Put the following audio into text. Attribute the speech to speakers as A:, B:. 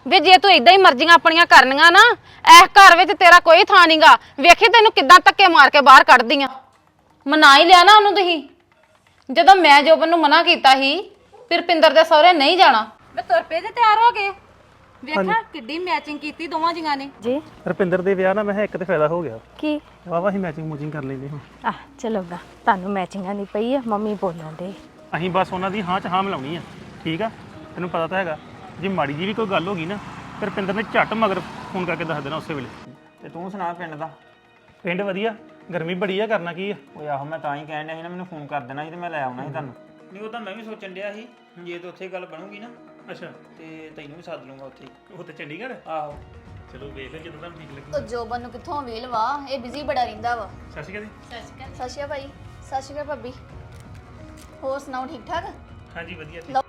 A: ਵੇ ਜੇ ਤੂੰ ਇਦਾਂ ਹੀ ਮਰਜ਼ੀਆਂ ਆਪਣੀਆਂ ਕਰਨੀਆਂ ਨਾ ਇਸ ਘਰ ਵਿੱਚ ਤੇਰਾ ਕੋਈ ਥਾਂ ਨਹੀਂਗਾ। ਵੇਖੀ ਤੈਨੂੰ ਕਿੱਦਾਂ ਧੱਕੇ ਮਾਰ ਕੇ ਬਾਹਰ ਕੱਢਦੀਆਂ। ਮਨਾ ਹੀ ਲਿਆ ਨਾ ਉਹਨੂੰ ਤੁਸੀਂ। ਜਦੋਂ ਮੈਂ ਜੋਬਨ ਨੂੰ ਮਨਾ ਕੀਤਾ ਸੀ ਫਿਰ ਰੁਪਿੰਦਰ ਦੇ ਸਹੁਰੇ ਨਹੀਂ ਜਾਣਾ। ਵੇ ਤੁਰ ਪਏ ਜੇ ਤਿਆਰ ਹੋ ਗਏ। ਵੇਖਾਂ ਕਿੱਡੀ ਮੈਚਿੰਗ ਕੀਤੀ ਦੋਵਾਂ ਜੀਆਂ ਨੇ
B: ਜੀ।
C: ਰੁਪਿੰਦਰ ਦੇ ਵਿਆਹ ਨਾਲ ਮੈਂ ਇੱਕ ਤੇ ਫਾਇਦਾ ਹੋ ਗਿਆ।
B: ਕੀ?
C: ਵਾਵਾ ਹੀ ਮੈਚਿੰਗ ਕਰ ਲੈਂਦੇ ਹਾਂ।
B: ਆਹ ਚਲੋਗਾ ਤੁਹਾਨੂੰ ਮੈਚਿੰਗਾਂ ਨਹੀਂ ਪਈ ਆ ਮੰਮੀ ਬੋਲਣ ਦੇ।
C: ਅਸੀਂ ਬਸ ਉਹਨਾਂ ਦੀ ਹਾਂ 'ਚ ਹਾਂ ਮਿਲਾਉਣੀ ਆ। ਠੀਕ ਆ ਤੈਨੂੰ ਪਤਾ ਤਾਂ ਹੈਗਾ ਜੇ ਮਾੜੀ ਜੀ ਵੀ ਕੋਈ ਗੱਲ ਹੋ ਗਈ ਨਾ ਤੇ ਰੁਪਿੰਦਰ ਨੇ ਝੱਟ ਮਗਰ ਫੋਨ ਕਰਕੇ ਦੱਸ ਦੇਣਾ ਉਸੇ ਵੇਲੇ।
D: ਤੇ ਤੂੰ ਸੁਣਾ ਪਿੰਡ ਦਾ?
C: ਪਿੰਡ ਵਧੀਆ, ਗਰਮੀ ਬੜੀ ਆ, ਕਰਨਾ ਕੀ ਆ।
D: ਓਏ ਆਹੋ ਮੈਂ ਤਾਂ ਹੀ ਕਹਿਣ ਡਿਆ ਸੀ ਨਾ ਮੈਨੂੰ ਫੋਨ ਕਰ ਦੇਣਾ ਸੀ ਤੇ ਮੈਂ ਲੈ ਆਉਣਾ ਸੀ ਤੁਹਾਨੂੰ। ਨਹੀਂ ਉਹ ਤਾਂ ਮੈਂ ਵੀ ਸੋਚਣ ਡਿਆ ਸੀ ਜੇ ਤੇ ਉੱਥੇ ਗੱਲ ਬਣੂਗੀ ਨਾ
C: ਅੱਛਾ
D: ਤੇ ਤੈਨੂੰ ਵੀ ਸੱਦ ਲੂੰਗਾ ਉੱਥੇ।
C: ਉਹ ਤੇ ਚੰਡੀਗੜ੍ਹ।
D: ਆਹੋ
C: ਚਲੋ ਵੇਖ ਲੈ ਜਦੋਂ ਤੁਹਾਨੂੰ ਠੀਕ ਲੱਗੇ।
E: ਉਹ ਜੋਬਨ ਨੂੰ ਕਿੱਥੋਂ ਵੇਲ ਵਾ, ਇਹ ਬਿਜ਼ੀ ਬੜਾ ਰਹਿੰਦਾ ਵਾ।
C: ਸਤਿ ਸ਼੍ਰੀ ਅਕਾਲ।
E: ਸਤਿ ਸ਼੍ਰੀ ਅਕਾਲ ਭਾਈ। ਸਤਿ ਸ਼੍ਰੀ ਅਕਾਲ ਭਾਬੀ। ਹੋਰ ਸੁਣਾਓ ਠੀਕ ਠਾਕ?
C: ਹਾਂਜੀ ਵਧੀਆ।